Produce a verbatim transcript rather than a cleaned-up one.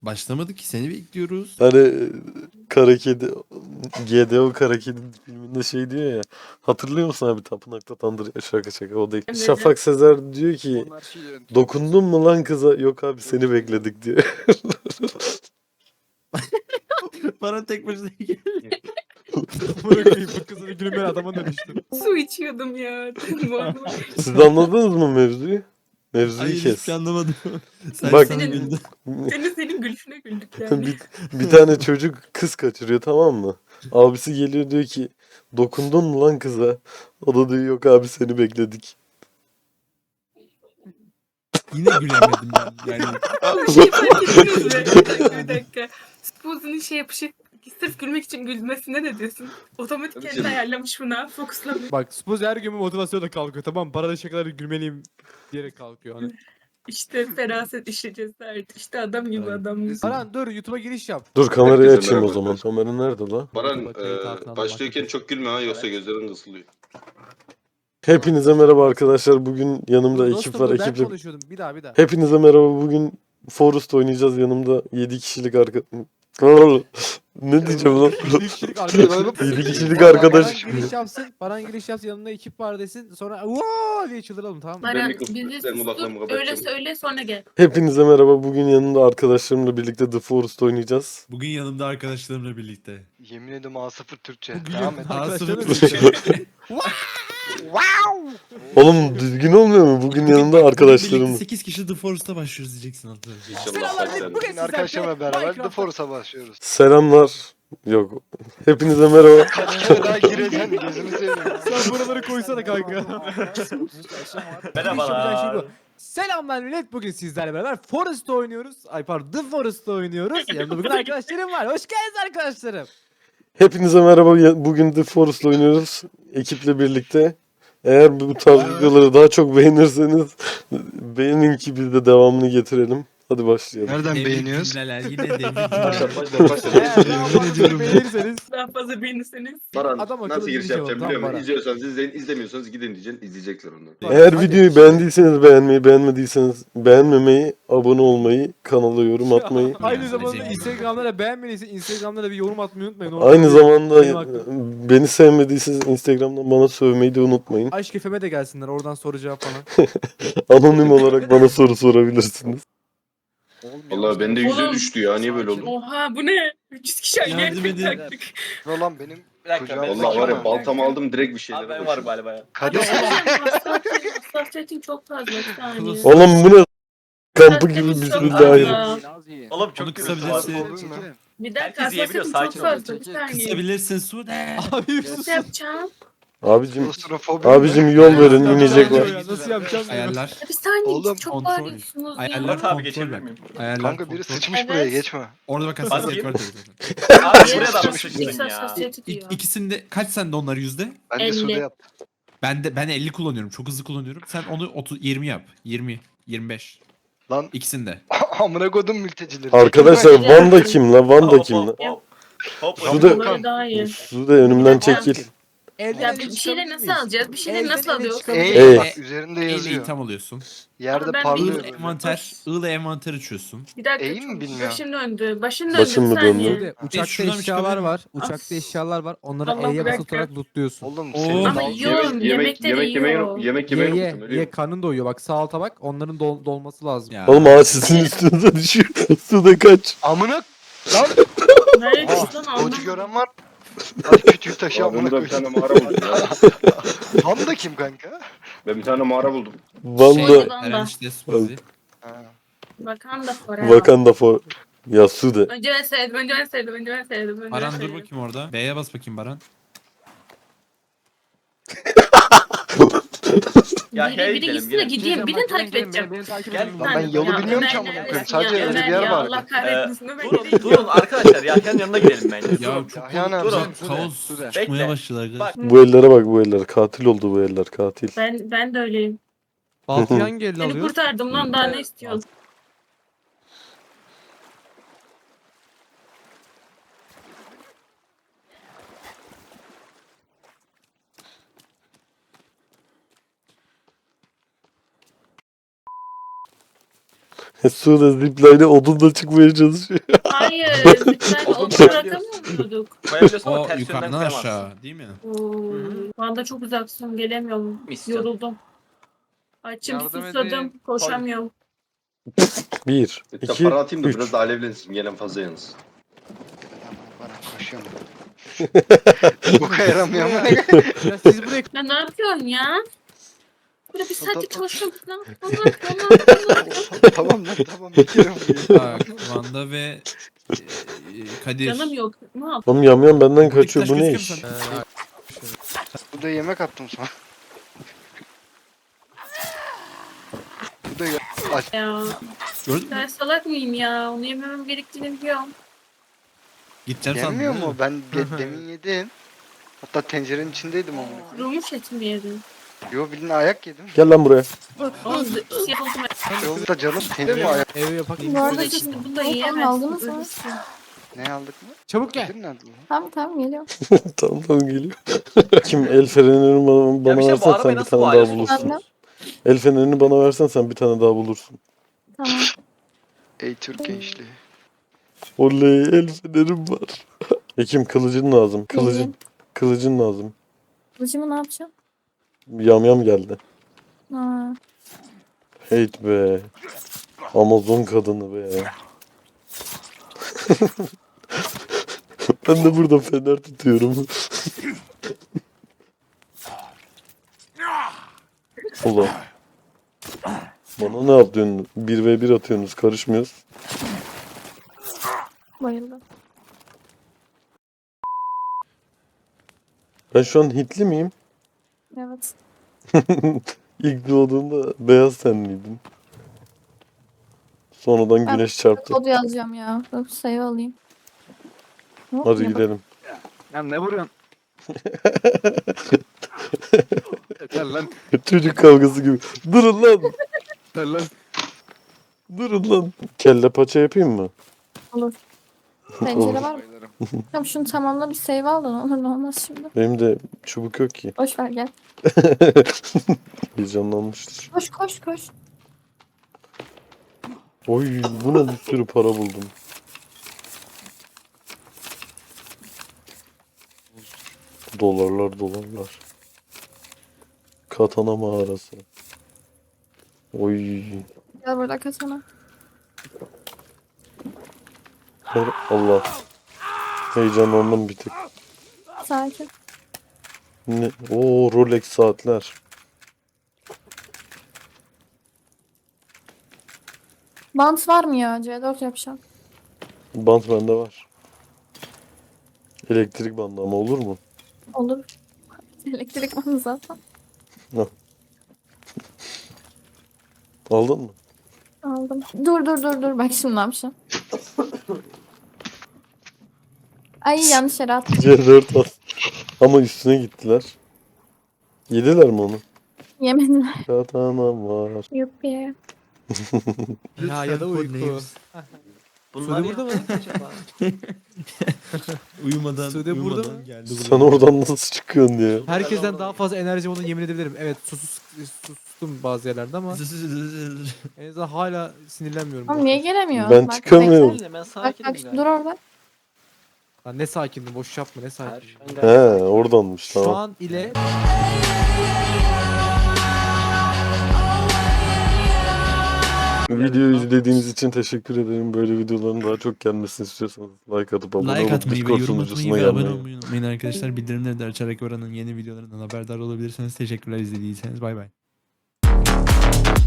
Başlamadı ki, seni bekliyoruz. Hani Kara Kedi, G D O Kara Kedi filminde şey diyor ya. Hatırlıyor musun abi, tapınakta tandır, şaka şaka o değil. Evet. Şafak Sezer diyor ki Onlar şey yönetiyor. dokundun mu lan kıza? Yok abi seni bekledik diyor. Bana tek başına gel. Amına koyayım bu kızın gülmeyen adama dönüştüm. Su içiyordum ya. Boğazıma- Siz anladınız mı mevzuyu? Mevzuyu Hayır, kes. hiçbir şey anlamadım. Sen Bak- sana güldün. Senin senin gülüşüne güldük yani. bir, bir tane çocuk kız kaçırıyor, tamam mı? Abisi geliyor diyor ki dokundun mu lan kıza? O da diyor yok abi seni bekledik. Yine gülemedim ben. Yani Bir şey fark ettiniz mi? Bir dakika bir dakika. Spooz'un şey yapışı sırf gülmek için gülmesine ne diyorsun? Otomatik Tabii kendi canım. ayarlamış buna. Fokuslamış. Bak Spuz her gün motivasyonla kalkıyor, tamam mı? Parada şakaları gülmeliyim diyerek kalkıyor hani. İşte feraset işi cesaret. İşte adam gibi Ay. adam gibi. Baran dur YouTube'a giriş yap. Dur kamerayı Herkese açayım o merhaba zaman. arkadaşlar. Kamera nerede la? Baran YouTube'a kayıt altına eee alın, başlıyorken bak. çok gülme ha yoksa gözlerin ısılıyor. Hepinize merhaba arkadaşlar. Bugün yanımda Dur ekip dostum, var. dur, ben Ekiple... konuşuyordum. Bir daha bir daha. Hepinize merhaba. Bugün Forest oynayacağız. Yanımda yedi kişilik arka... Ne diyeceğim lan? yedi kişilik arkadaş. yedi kişilik Baran arkadaş. giriş yapsın. Baran giriş yapsın, yanında ekip var desin. Sonra "Vaa!" diye çıldıralım, tamam mı? Baran mikrofonu- bizi ben kulaklarımı sustur. Öyle kapatacağım. söyle sonra gel. Hepinize merhaba. Bugün yanımda arkadaşlarımla birlikte The Forest oynayacağız. bugün yanımda arkadaşlarımla birlikte. Yemin ediyorum A sıfır Türkçe. Bugün Devam et. arkadaşlarımla Arkadaşlarımla birlikte. Oğlum düzgün olmuyor mu? Bugün yanımda arkadaşlarım. sekiz kişi The Forest'a başlıyoruz diyeceksin hatta. İnşallah Selamlar, başlar. bugün Bugün sizlerle arkadaşlarımla beraber The Minecraft'ta- Force'a başlıyoruz. Selamlar. Yok. Hepinize merhaba. Kaç kere daha gireceksin gözünü seveyim. Sen buraları koysana kanka. Merhabalar. Selamlar millet. Bugün sizlerle beraber Forest oynuyoruz. Ay pardon, The Forest oynuyoruz. Yanımda bugün arkadaşlarım var. Hoş geldiniz arkadaşlarım. Hepinize merhaba. Ya- Bugün The Forest'la oynuyoruz. Ekiple birlikte. Eğer bu tarz videoları daha çok beğenirseniz beğenin ki biz de devamını getirelim. Hadi başlayalım. Nereden Devrik beğeniyoruz? cümleler, yine devrik Başlar cümleler. başlar başlar. Eğer daha fazla beğenirseniz Daha fazla beğenirseniz. Baran Adam akıllı nasıl bir giriş şey yapacağım oldu, biliyor tamam, musun? Baran. İzliyorsanız izleyin, izlemiyorsanız gidin diyeceksin, izleyecekler onu. Eğer Hadi. videoyu beğendiyseniz beğenmeyi, beğenmediyseniz beğenmemeyi, abone olmayı, kanala yorum atmayı. Aynı Yani zamanda zengin. Instagram'da da beğenmediyse Instagram'da da bir yorum atmayı unutmayın. Aynı Orada zamanda benim hakkım. beni sevmediyseniz Instagram'dan bana sövmeyi de unutmayın. Aşk efeme de gelsinler, oradan soru cevap falan. Anonim olarak bana soru sorabilirsiniz. Vallahi bende yüze Oğlum. düştü ya, niye böyle oldu? Oha bu ne? üç yüz kişi aynı Yardım yerde edin. taktık. Roland benim Bir dakika. Kucağım- ben- Vallahi var ya Bakayım baltamı aldım direkt bir şeylere Abi ben varım koştum. galiba ya. Kadir. Hassasiyetin- Hassasiyetin çok fazla bir saniye. Oğlum bu ne kampı gibi bismillahirrahmanirrahim. Oğlum çok Onu gülüyorsun kısabilirsin. abi. Bir dakika Herkes yiyebiliyor, hassasiyetin çok sakin ol. fazla bir saniye. Kısabilirsin Sude. Abi Nasıl yapacağım? Abicim, Klostrofobi abicim yol verin, inecek var. Nasıl yapacağım? Ayarlar. Ya bir saniye Oğlum, çok kontrol. bağırıyorsunuz ya. Ayarlar Murat abi kontrol geçebilir bak. miyim? Ayarlar Kanka biri kontrol. sıçmış Evet. buraya geçme. Orada bak hassasiyet var Bakayım. tabii. Abi buraya da mı Sıçmış sıçtın X ya? hassasiyeti diyor. İk, ikisinde kaç sende onlar yüzde? Ben de elli. suda yaptım. Ben de ben elli kullanıyorum. Çok hızlı kullanıyorum. Sen onu otuz yirmi yap. yirmi, yirmi beş. Lan İkisinde. amına kodum mültecileri. Arkadaşlar Van'da kim la? Van'da Hop, kim la? hop, hop. Hop, Şu hop. da- Bunları daha iyi. Sude önümden çekil. Elden Ya ele bir şeyleri çıkabilir nasıl miyiz? alacağız? Bir şeyleri Elden nasıl ele alıyoruz? çıkabilir Ey Ey. bak üzerinde Eyle yazıyor. tam alıyorsun. Yerde Ama ben parlıyor I'la böyle. envanter, I'la envanter açıyorsun. Bir dakika Eğim mi çok bilmiyorum. başım döndü. Başım döndü Başım bir mı saniye. döndü? Sude, Uçakta şuradan bir eşyalar çıkabilir var. miyim? Uçakta eşyalar var. Onları Allah E'ye bırak basılı tutarak lootluyorsun. Oğlum Oo. senin Ama dal- yiyorum. Yemek, yemek, Yemekte de yemek yemeyi, yiyor. yemek Ye yemeyi ye unuttum, ölüyorum. ye karnın doyuyor. Bak sağ alta bak. Onların dol- dolması lazım. Ya. Oğlum ağaç sizin üstünüze düşüyor. Sude kaç. Amına lan. Nereye Aa, düştü lan koçu anlamadım. gören var. Ay küçük taşı Aa, amına ben burada bir koyayım. tane mağara buldum ya. Van da kim kanka? Ben bir tane mağara buldum. Van'da Şey- Eren işte Suzi. Ha. Bakan da forever. Wakanda for. Ya Sude. Önce ben sevdim, önce ben sevdim, önce ben sevdim. Önce ben Baran dur sevdim. bakayım orada. B'ye bas bakayım Baran. Ya Biri, hey biri gidelim, gitsin de gidelim. gideyim, birini takip edeceğim. Gel. Lan ben yolu Ya bilmiyorum ki Ömer amına koyayım. neredesin Sadece ya? öyle bir Ömer yer ya, var. Allah kahretmesin Ömer Durun, nereye durun arkadaşlar. Yahyan'ın yanına gidelim bence. Ya Durun. çok Ya, yani durun. Sude, kaos Sude. çıkmaya Bekle. başladı arkadaşlar. Bak. Bu ellere bak, bu eller. Katil oldu bu eller, katil. Ben, ben de öyleyim. Baltayı hangi elle Seni alıyor? kurtardım lan daha ne istiyorsun? Suda zipline'e odunla çıkmaya çalışıyor. Hayır. Lütfen Oğlum, o koyabiliyorsun. bırakamıyorduk. Koyabiliyorsun ama O ters yönden yukarıdan koyamazsın. aşağı değil mi? Oo, şu anda çok uzaksın. Gelemiyorum. Misyon. Yoruldum. Açım Yardım susadım. edin. Koşamıyorum. Bir, Bir de iki, para atayım da üç. biraz da alevlensin. Gelen fazla yalnız. Bana koşuyorum. Boka yaramıyor ama. Ya siz buraya Ya ne yapıyorsun ya? Burada bir saattir Tamam. çalışıyorum. Lan Allah Allah. Tamam lan tamam bitiyorum. bunu. Bak Vanda ve e, Kadir. Canım yok. Ne yap? Oğlum yamyam benden Buradaki kaçıyor. taş Bu ne gözüküyor iş? mu sana? Bu da yemek attım sana. Bu da ya- aç. Ya. Gördün mü? Ben salak mıyım ya? Onu yememem gerektiğini biliyorum. Gideceğim sandım. Yenmiyor değil mu? mi? Ben de- demin yedim. Hatta tencerenin içindeydim onu. Kurumuş et mi yedin? Yo bildiğin ayak yedim. Gel lan buraya. Oğlum siyah oldum. Yolda canım tencere ayak. evi yapak. Bu arada şimdi bunu da yiyemezsin. aldınız mı? Ölürsün. Ne aldık mı? Çabuk gel. Nedir nerede lan? Tamam tamam geliyorum. tamam tamam geliyor. Kim el fenerini bana, Ya bana bir şey, bu versen arabayı sen bir nasıl tane daha bağlıyorsun? bulursun. Ben de. El fenerini bana versen sen bir tane daha bulursun. Tamam. Ey Türk gençliği. Oley el fenerim var. Ekim kılıcın lazım. Kılıcın. İyi. Kılıcın lazım. Kılıcımı ne yapacağım? Yamyam geldi. Ha. Hate be. Amazon kadını be. ben de burada fener tutuyorum. Ulan. Bana ne yapıyorsun? bir ve bir atıyorsunuz. Karışmıyoruz. Bayıldım. Ben şu an Hitli miyim? Evet. İlk doğduğumda beyaz tenliydin. Sonradan Ben- güneş çarptı. Kod yazacağım ya. Dur sayı alayım. Hop, Hadi ya bak- gidelim. Ya ne vuruyorsun? Yeter lan. Çocuk kavgası gibi. Durun lan. Yeter lan. Durun lan. Kelle paça yapayım mı? Olur. Pencere var mı? Bayılırım. Tamam şunu tamamla bir save al da ne olur ne olmaz şimdi. Benim de çubuk yok ki. Boş ver gel. Heyecanlanmıştır. Koş koş koş. Oy buna bir sürü para buldum. Dolarlar dolarlar. Katana mağarası. Oy. Gel burada kasana. Allah. Heyecanlandım bir tık. Sakin. Ne? Oo Rolex saatler. Bant var mı ya? C dört yapacağım. Bant bende var. Elektrik bandı ama olur mu? Olur. Elektrik bandı zaten. Aldın mı? Aldım. Dur dur dur dur. Bak şimdi ne yapacağım. Ay yanlış yere attım. C dört at. Ama üstüne gittiler. Yediler mi onu? Yemediler. Katanam var. Yuppi. Ya ya da uyku. Bunlar Sude burada mı? acaba? Uyumadan, Sude burada uyumadan mı? geldi Sen oradan nasıl çıkıyorsun ya? Herkesten daha fazla enerji olduğunu yemin edebilirim. Evet sus, sustum bazı yerlerde ama en azından hala sinirlenmiyorum. Oğlum niye gelemiyor? Ben Bak, çıkamıyorum. bekle. Ben Bak sakinim bak galiba. dur orada. Lan ne sakindim boş yapma ne sakin. Hayır, ben He gayet sakinim. oradanmış Şu tamam. an ile Videoyu izlediğiniz için teşekkür ederim. Böyle videoların daha çok gelmesini istiyorsanız like atıp abone Like olup atmayı ve Discord yorum atmayı sunucusuna ve abone gelmeyi. olmayı unutmayın arkadaşlar. Bildirimleri de açarak oranın yeni videolarından haberdar olabilirsiniz. Teşekkürler izlediyseniz. Bay bay.